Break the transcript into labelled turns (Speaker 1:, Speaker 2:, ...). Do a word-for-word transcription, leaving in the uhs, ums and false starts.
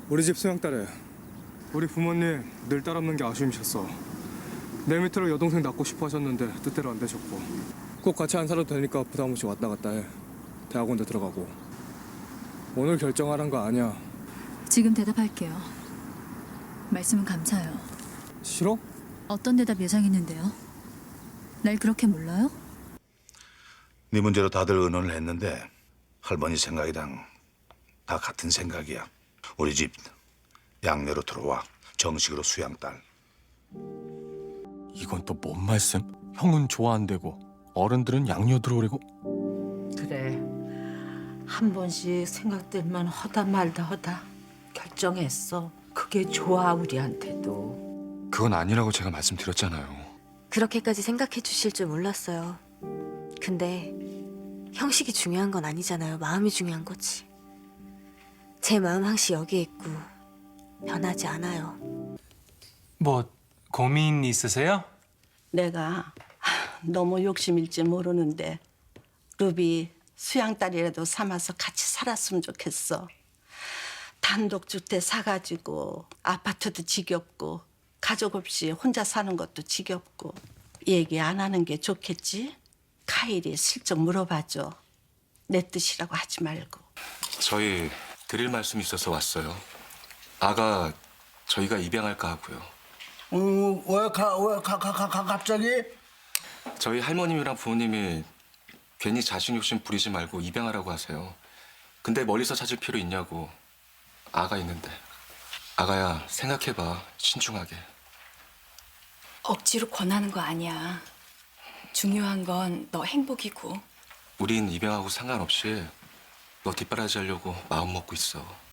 Speaker 1: 우리 집 소영딸에 우리 부모님 늘 딸 없는 게 아쉬우셨어. 내 밑으로 여동생 낳고 싶어 하셨는데 뜻대로 안 되셨고 꼭 같이 안 살아도 되니까 부담 없이 왔다 갔다 해. 대학원도 들어가고. 오늘 결정하란 거 아니야.
Speaker 2: 지금 대답할게요. 말씀은 감사해요.
Speaker 1: 싫어?
Speaker 2: 어떤 대답 예상했는데요? 날 그렇게 몰라요?
Speaker 3: 네 문제로 다들 의논을 했는데 할머니 생각이랑 다 같은 생각이야. 우리 집 양내로 들어와 정식으로 수양딸.
Speaker 4: 이건 또 뭔 말씀? 형은 좋아한대고 어른들은 양녀 들어오래고.
Speaker 5: 그래, 한 번씩 생각들만 허다 말다 허다 결정했어. 그게 좋아 우리한테도.
Speaker 4: 그건 아니라고 제가 말씀드렸잖아요.
Speaker 6: 그렇게까지 생각해 주실 줄 몰랐어요. 근데 형식이 중요한 건 아니잖아요. 마음이 중요한 거지. 제 마음 항시 여기에 있고 변하지 않아요.
Speaker 7: 뭐 고민 있으세요?
Speaker 8: 내가 하, 너무 욕심일지 모르는데 루비 수양딸이라도 삼아서 같이 살았으면 좋겠어. 단독주택 사가지고 아파트도 지겹고 가족 없이 혼자 사는 것도 지겹고. 얘기 안 하는 게 좋겠지? 카일이 슬쩍 물어봐줘. 내 뜻이라고 하지 말고.
Speaker 4: 저희 드릴 말씀이 있어서 왔어요. 아가 저희가 입양할까 하고요.
Speaker 9: 음, 왜, 가, 왜, 가, 가, 가, 가, 갑자기?
Speaker 4: 저희 할머님이랑 부모님이 괜히 자식 욕심 부리지 말고 입양하라고 하세요. 근데 멀리서 찾을 필요 있냐고. 아가 있는데. 아가야, 생각해봐. 신중하게.
Speaker 2: 억지로 권하는 거 아니야. 중요한 건 너 행복이고.
Speaker 4: 우린 입양하고 상관없이 너 뒷바라지 하려고 마음 먹고 있어.